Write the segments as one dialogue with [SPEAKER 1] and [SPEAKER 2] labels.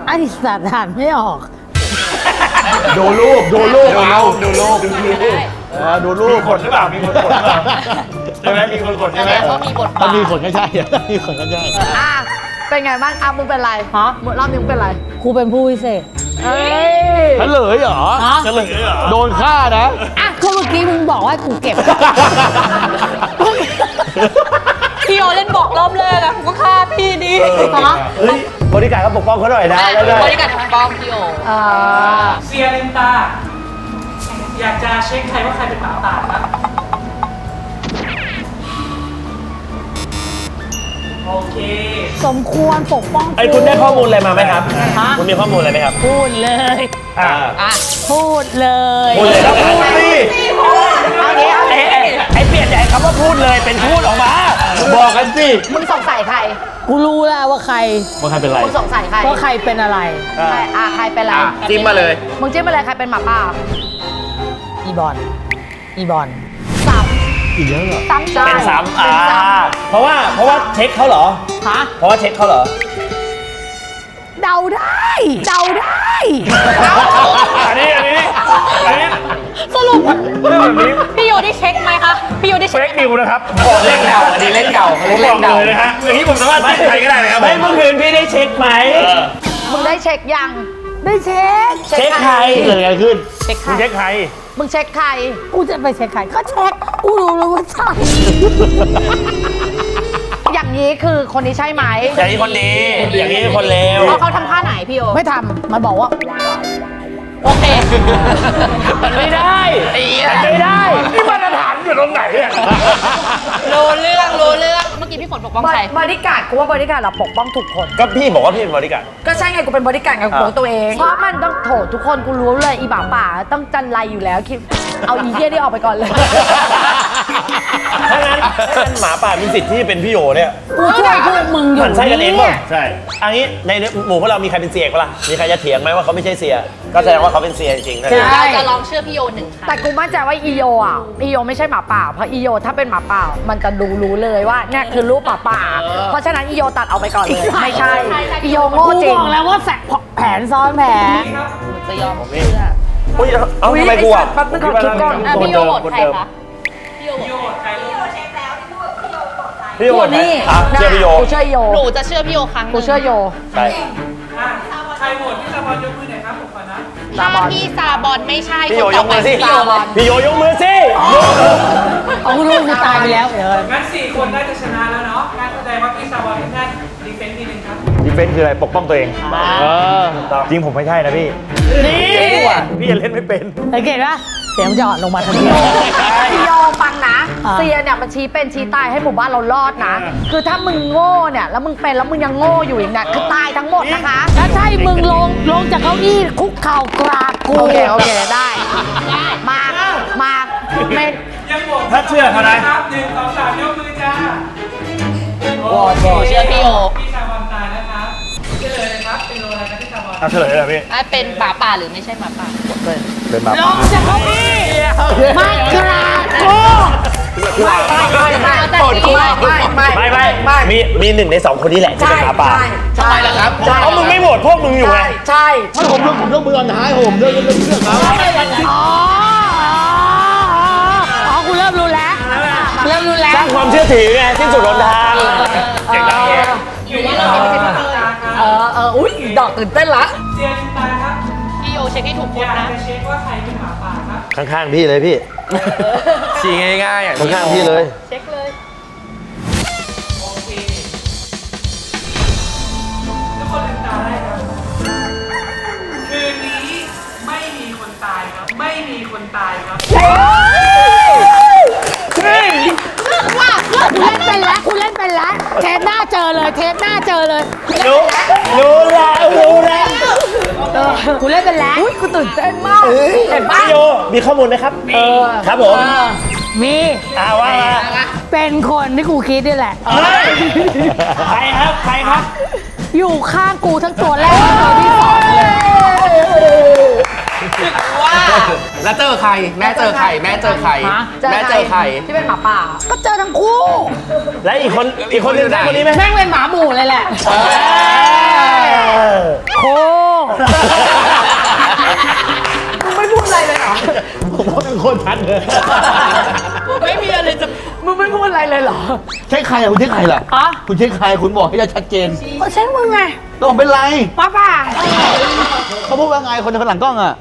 [SPEAKER 1] ไอ้สัตว์อ่านไม่ออก
[SPEAKER 2] ดูรูปดูรูปเอาดูรูปดูรูป
[SPEAKER 3] มีคนหรือเปล่ามีคนกดหรือเปล่าใช่ไหมมีคนกดใช่ไหม
[SPEAKER 4] เขามีบทบา
[SPEAKER 2] ถ้า
[SPEAKER 4] ท
[SPEAKER 2] มีขนก็ใช่ถ้ามีขนก็ใช่
[SPEAKER 5] อ่ะเป็นไงบ้างอ่ะมึงเป็นไร
[SPEAKER 1] ฮะ
[SPEAKER 5] รอบนี้มึงเป็นไร
[SPEAKER 1] ครูเป็นผู้พิเศษ
[SPEAKER 5] เอ้ย
[SPEAKER 2] เฉลยเหรอ
[SPEAKER 1] ฮะ
[SPEAKER 2] เฉลยเหรอโดนฆ่านะ
[SPEAKER 1] อ่ะก็เมื่อกี้มึงบอกว่าให้กูเก็บ
[SPEAKER 4] พี่โอเล่นบอกรอบแรกอะผมก็ฆ่าพี่ดิ
[SPEAKER 1] ฮะ
[SPEAKER 2] เฮ้ยบริการก็ปกป้องเขาหน่อยนะได้
[SPEAKER 4] บริการของป้องพี่โอ
[SPEAKER 5] อ่า
[SPEAKER 6] เซียลืมตา อยากจะเช็คใครว่าใครเป็นหมาป่าครับ โอเค
[SPEAKER 1] สมควรปกป้อง
[SPEAKER 3] ไอ้คุณได้ข้อมูลอะไรมาไหมครับ
[SPEAKER 1] ฮะ
[SPEAKER 3] คุณมีข้อมูลอะไรไหมครับ
[SPEAKER 1] พูดเลย
[SPEAKER 3] อ่า
[SPEAKER 4] อ่ะ
[SPEAKER 1] พูดเลย
[SPEAKER 3] พูดเลยครับพูดสิ
[SPEAKER 5] เอางี้เอางี้
[SPEAKER 3] ไอ้เปลี่ยนจากคำว่าพูดเลยเป็นพูดออกมาบอกกันสิ
[SPEAKER 5] มึงสงสัยใคร
[SPEAKER 1] กูรู้แล้วว่าใคร
[SPEAKER 2] ว่าใครเป็นไร
[SPEAKER 5] มึงสงสัยใคร
[SPEAKER 1] ว่าใครเป็นอะไร
[SPEAKER 5] ใครใครเป็นอะไร
[SPEAKER 3] จิ้มมาเลย
[SPEAKER 5] มึงจิ้มไปเลยใครเป็นหมาป่า
[SPEAKER 1] อีบอลอีบอล
[SPEAKER 5] ซ้
[SPEAKER 2] อีกแล้วเหรอ
[SPEAKER 5] ำซ้ำใช่
[SPEAKER 3] เป็นซ้ำ
[SPEAKER 5] เป็นซ้
[SPEAKER 3] เพราะว่าเช็คเขาเหรอ
[SPEAKER 1] ฮะ
[SPEAKER 3] เพราะว่าเช็คเขาเหรอ
[SPEAKER 1] เดาได้ เดาได้
[SPEAKER 3] อันนี้
[SPEAKER 4] สรุป
[SPEAKER 3] เรื่องแบบนี้
[SPEAKER 4] พี่โอได้เช็คไหมคะพี่โอได้
[SPEAKER 3] เฟ
[SPEAKER 4] เช็ค
[SPEAKER 3] กนิวนะครับบอกเล่นเก่าอันนี้เล่นเก่าผมบอกเลยนะฮะอย่างนี้ผมสามารถจิ้มใครก็ได้เลยครับไม่เมื่อคืนพี่ได้เช็คไหม
[SPEAKER 5] ำมึงได้เช็คยัง
[SPEAKER 1] ได้เช็ค
[SPEAKER 3] เช็คใคร
[SPEAKER 2] เกิดอะไรขึ้น
[SPEAKER 4] เช็ค
[SPEAKER 3] คุณเช็คใคร
[SPEAKER 5] มึงเช็คใคร
[SPEAKER 1] กูจะไปเช็คใครก็เช็ค กูรู้แล้วว่าใช่
[SPEAKER 5] อย่างนี้คือคนนี้ใช่ไหม
[SPEAKER 3] อย่างนี้คนดี อย่างนี้คนเลว
[SPEAKER 5] เขาทำท่าไหนพี่โอ
[SPEAKER 1] ไม่ทำมันบอกว่า
[SPEAKER 4] โอเค
[SPEAKER 3] มันไม่ได้มันไม่ได้นี่มาตรฐานอยู่ตรงไหนเนี่ย
[SPEAKER 4] รู้เรื่องเมื่อกี้พี่ฝนปกป้องใคร
[SPEAKER 5] บริการกูว่าบริการเราปกป้องทุกคน
[SPEAKER 3] ก็พี่บอกว่าพี่เป็นบริการ
[SPEAKER 5] ก็ใช่ไงกูเป็นบริการกับของตัวเอง เพราะมันต้องโถทุกคนกูรู้เลยอีบ่าป่าต้องจันไรอยู่แล้วคิดเอาอีเหี้ยนี่ออกไปก่อนเลย
[SPEAKER 3] ถ้างั้นหมาป่ามีสิทธิ์ที่เป็นพี่โอเนี่ย
[SPEAKER 1] กูช่วยพวกมึงอยู่
[SPEAKER 3] มันใช่กันเองป่ะ
[SPEAKER 1] เนี่ย
[SPEAKER 3] ใช่อันนี้ในหมู่พวกเรามีใครเป็นเสียปะล่ะมีใครจะเถียงไหมว่าเขาไม่ใช่เสีย ก็แสดงว่าเขาเป็นเสียจริงๆนะ
[SPEAKER 4] เราจะลองเชื่อพี่โอหนึ่งค่ะ
[SPEAKER 5] แต่กูมั่นใจว่าอีโยอ่ะอีโยไม่ใช่หมาป่าเพราะอีโยถ้าเป็นหมาป่ามันจะรู้เลยว่าเนี่ยคือรูปหมาป่า เพราะฉะนั้นอีโยตัดออกไปก่อนเลยไม่ใช่อีโยโง่
[SPEAKER 1] กู
[SPEAKER 5] จริ
[SPEAKER 1] บ
[SPEAKER 5] ง
[SPEAKER 1] อกแล้วว่าแผนซ้อนแผน
[SPEAKER 4] จะยอมเชื่อ
[SPEAKER 3] อุ้ยเอ้าทำไมกูอ่ะ
[SPEAKER 5] แป๊บนึงก่อนคิดก่อน
[SPEAKER 4] อ่ะพี่โอโหวตใครคะพี่โอโหวต
[SPEAKER 6] โยดใครลูก
[SPEAKER 3] พี่โอ
[SPEAKER 5] นี่
[SPEAKER 3] อ่ะเชื่อพี่โย
[SPEAKER 5] กูเชื่ออีโย
[SPEAKER 4] หนูจะเชื่อพี่โอครั้งหนึ่ง
[SPEAKER 5] กูเชื่อโย
[SPEAKER 3] ใช่
[SPEAKER 6] อ่ะใครโหวตพี่ตะบอลยกมือหน่อยครับผมก่อนนะ
[SPEAKER 4] ถ้าพี่ซาบอนไม่ใช่
[SPEAKER 3] พี่โย
[SPEAKER 4] คน
[SPEAKER 3] ย
[SPEAKER 4] ต่อก ไป
[SPEAKER 3] มือสิ
[SPEAKER 4] พี่โอ
[SPEAKER 3] พี่โยยกมือสิ
[SPEAKER 1] เอากูรู้กูตายไปแล้วเดี๋ยว
[SPEAKER 6] งั้น 4 คนน่าจะชนะแล้วเนาะงั้นแสดงว่าพี่ตะบอลเป็นท่านดีเฟนต์ทีหนึ่งครับ
[SPEAKER 2] ดีเฟนส์คืออะไรปกป้องตัวเองจริงผมไม่ใช่นะพี่
[SPEAKER 1] นี่
[SPEAKER 3] พี่ยังเล่นไม่เป็น
[SPEAKER 1] สังเกตปะเสียงมันจะอ่อนลงมาทันที
[SPEAKER 5] อีโยฟังนะ
[SPEAKER 1] อ่า
[SPEAKER 5] เซียเนี่ยมันชี้เป็นชี้ตายให้หมู่บ้านเรารอดนะ คือถ้ามึงโง่เนี่ยแล้วมึงเป็นแล้วมึงยังโง่อยู่อีกเนี่ยคือตายทั้งหมดนะคะ
[SPEAKER 1] ถ้าใช่มึงลงจากเก้าอี้คุกเข่ากราบกู
[SPEAKER 5] โอเคได้มาเมน
[SPEAKER 6] ยังโหวต
[SPEAKER 3] ถ้าเชื่อเขานะ
[SPEAKER 6] ครับ1 2 3ยกมือจ้า
[SPEAKER 4] หนูเชื่อพี่โอ
[SPEAKER 6] พี่ตะบอลตายแล้วครับเฉลยเลยครับเป็นโลอะไรครับพี่ตะบอล
[SPEAKER 3] เอาเฉลยเลยพี่
[SPEAKER 4] อ่ะเป็นหมาป่าหรือไม่ใช่หมาป่า
[SPEAKER 2] เป็นมา
[SPEAKER 1] ลงจากเก้าอี้มากราบกู
[SPEAKER 3] ไม่มี1 ใน 2 คนนี้แหละที่เป็นหมาป่า
[SPEAKER 5] ใช่ล่ะครับ
[SPEAKER 3] เพราะมึงไม่โหวตพวกมึงอยู่ไง
[SPEAKER 5] ใช่
[SPEAKER 2] ถ้าผมยกมือตอนท้ายผมเรื่องครับ
[SPEAKER 1] อ๋อกูเริ่มรู้แล้วเริ่มรู้แล้ว
[SPEAKER 3] สร้างความเชื่อถือไงสิ้นสุดหนทางเจ๋งแล้วเนี่ย
[SPEAKER 6] อยู่ที่เราไม่ใช่พี่ตะครับ
[SPEAKER 5] อุ้ยดอกตื่นเต้นละ
[SPEAKER 6] เซียลืมตาครับ
[SPEAKER 4] พี่โอเช็คให้ถูกค
[SPEAKER 6] อน ยาก
[SPEAKER 4] นะ
[SPEAKER 6] จะเช็คว่าใครเป็นหมาป่าครับ
[SPEAKER 2] ข้างๆพี่เลยพี่
[SPEAKER 3] ชี้ง่ายๆอ่ะ
[SPEAKER 2] ข้างๆพี่เลย
[SPEAKER 4] เช็คเลย
[SPEAKER 6] โอเคทุกคนลืมตาได้ครับ คืนนี้ไม่มีคนตายครับ ไม่มีคนตายครับ
[SPEAKER 1] กูเล่นเป็นแล้วเทปหน้าเจอเลย
[SPEAKER 3] รู้แล้ว
[SPEAKER 1] กูเล่นเป็นแล้ว
[SPEAKER 5] อุ้ยกูตื่นเต้นมากเห็นปะ
[SPEAKER 3] พี่โยมีข้อมูลไหมครับครับผม
[SPEAKER 1] มี
[SPEAKER 3] ว่ามา
[SPEAKER 1] เป็นคนที่กูคิดนี่แหละ
[SPEAKER 3] ใครครับ
[SPEAKER 1] อยู่ข้างกูทั้งตัวแรกและตัวที่สองเลย
[SPEAKER 4] ว่า
[SPEAKER 7] แล้วเจอใคร แม่เจอใคร แม่เจอใคร แม่เจอใคร
[SPEAKER 5] ที่เป็นหมาป่า
[SPEAKER 1] ก็เจอทั้งคู่
[SPEAKER 3] และอีกคนหนึงใช่คนนี้ไหม
[SPEAKER 1] แม่งเป็นหมาหมู่เลยแหละโค
[SPEAKER 2] ตรชัดเลย
[SPEAKER 4] ไม่มีอะไรจะ
[SPEAKER 5] มึงไม่พูดอะไรเลยเหรอ
[SPEAKER 2] ใช่ใครอะคุณใช่ใครล่ะ
[SPEAKER 5] อ๋อ
[SPEAKER 2] คุณใช่ใครคุณบอกให้ชัดเจน
[SPEAKER 5] ก็ใช่มึงไง
[SPEAKER 2] ต้องเป็นไร
[SPEAKER 5] ป้าป่า
[SPEAKER 2] เขาพูดว่าไงคนข้างหลังกล้องอะ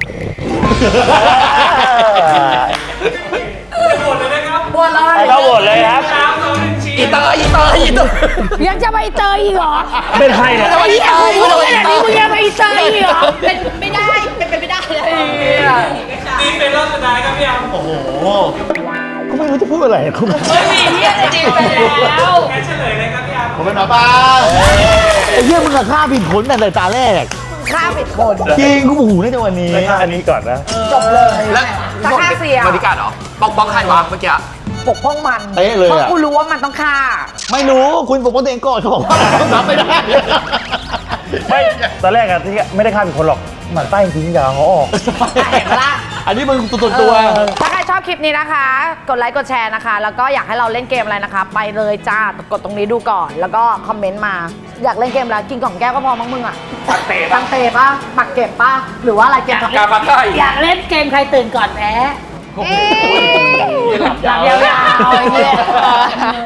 [SPEAKER 6] โหวตเลยนะครับ
[SPEAKER 5] บวชเลย
[SPEAKER 3] เราโหวตเลยครับ
[SPEAKER 6] สามสองหนึ่งชี้
[SPEAKER 7] อีเตอร์อีเตอร์อีเตอร์
[SPEAKER 5] ยังจะไปเจออีกเหรอ
[SPEAKER 3] เป็นใครเนี่ย
[SPEAKER 7] จะมาอีเตอร์
[SPEAKER 5] พูดขนาดนี้มึงยังไปเจออีกเหรอ
[SPEAKER 4] เป็นไม่ได้ เป็นไปไม่ได้เลย
[SPEAKER 6] นี่เป็นรอบสุดท้ายครับพี่อัม
[SPEAKER 2] โอ้โหก็ไม่รู้จะพูดอะไรคุณ
[SPEAKER 4] ไม่มีที่อะไรจริงไปแล้ว
[SPEAKER 6] งั้นเฉลยเลยครับพี่อัม
[SPEAKER 2] ผมเป็นหมาป่าไอ้เหี้ยมึงอะฆ่าผิดคนแต่ในตาแรก
[SPEAKER 5] ฆ่าผิดคน
[SPEAKER 2] จริงกูโอ้โหในวันนี้
[SPEAKER 3] ไปฆ่าอันนี้ก่อนนะ
[SPEAKER 5] จบเลย
[SPEAKER 7] แล้ว
[SPEAKER 5] ถ้าฆ่าเสีย
[SPEAKER 7] บริการเหรอป้องใครวะเมื่อกี้
[SPEAKER 5] ปกป้องมัน
[SPEAKER 2] เป๊ะเลย
[SPEAKER 5] เพราะ
[SPEAKER 2] อะ
[SPEAKER 5] กูรู้ว่ามันต้องฆ่า
[SPEAKER 2] ไม่รู้คุณปกป้องตัวเองก่อนเขาบอกว่ารับไม่ได้
[SPEAKER 3] ไม่ตอนแรกอะที่ไม่ได้ฆ่าเป็นคนหรอกหมันใต้จริงๆยาวเขาออก
[SPEAKER 5] เห็นปะล่ะ
[SPEAKER 2] อันนี้มึงตัว
[SPEAKER 5] ถ้าใครชอบคลิปนี้นะคะ กดไลค์กดแชร์นะคะ แล้วก็อยากให้เราเล่นเกมอะไรนะคะ ไปเลยจ้ากดตรงนี้ดูก่อน แล้วก็คอมเมนต์มา อยากเล่นเกมอะไรกินกล่องแก้วก็พอมั้งมึงอ่ะตังเตะป่ะหมักเก็บป่ะหรือว่าอะไรเกม
[SPEAKER 7] กาฟักไก่
[SPEAKER 1] อยากเล่นเกมใครตื่นก่อนแพ้
[SPEAKER 7] หลับยาว
[SPEAKER 5] ยาวๆ